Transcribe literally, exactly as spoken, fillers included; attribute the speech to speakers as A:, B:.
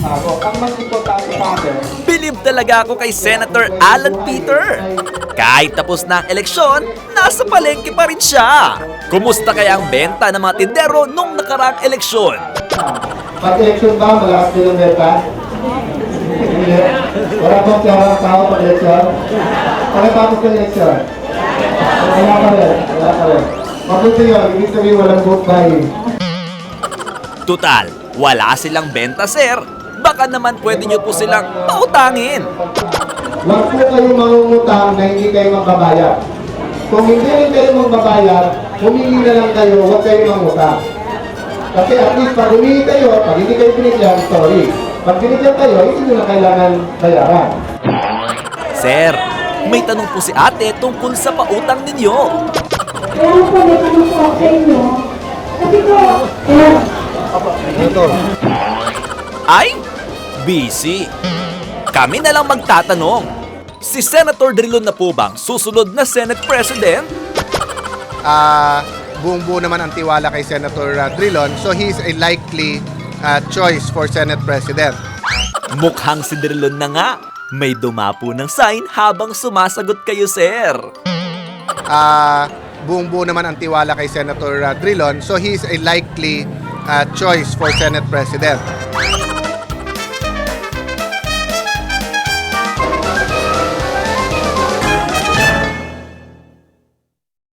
A: Ako, ang mas importante sa akin,
B: Bilib talaga ako kay Senator Alan Peter. Kahit tapos na ang eleksyon, nasa palengke pa rin siya. Kumusta kaya ang benta ng mga tindero nung nakaraang eleksyon?
A: pag-eleksyon ba, malakas din ang beta? Hindi. Wala bang pera ang tao pag-eleksyon? Pagkatapos ng eleksyon? Wala pa rin, wala pa rin. Mabuti yun, ibig sabihin walang vote buying.
B: Tutal, wala silang benta, sir. Baka naman pwede nyo po silang pautangin.
A: Huwag po kayong mangungutang na hindi kayo magbabayad. Kung hindi rin kayo magbabayad, humingi na lang kayo, huwag kayo mangutang. Kasi at least pag humingi kayo, pag hindi kayo binigyan, sorry. Pag binigyan kayo, hindi nyo na kailangan bayaran.
B: Sir, may tanong po si ate tungkol sa pautang ninyo.
C: Kaya po, may tanong po ako sa inyo. Kasi po, eh,
B: Ay, busy. Kami na lang magtatanong. Si Senator Drilon na po bang susunod na Senate President?
D: Ah, buong-buo naman ang tiwala kay Senator uh, Drilon, so he's a likely uh, choice for Senate President.
B: Mukhang si Drilon na nga. May dumapo ng sign habang sumasagot kayo, sir.
D: Ah, buong-buo naman ang tiwala kay Senator uh, Drilon, so he's a likely uh, choice for Senate President.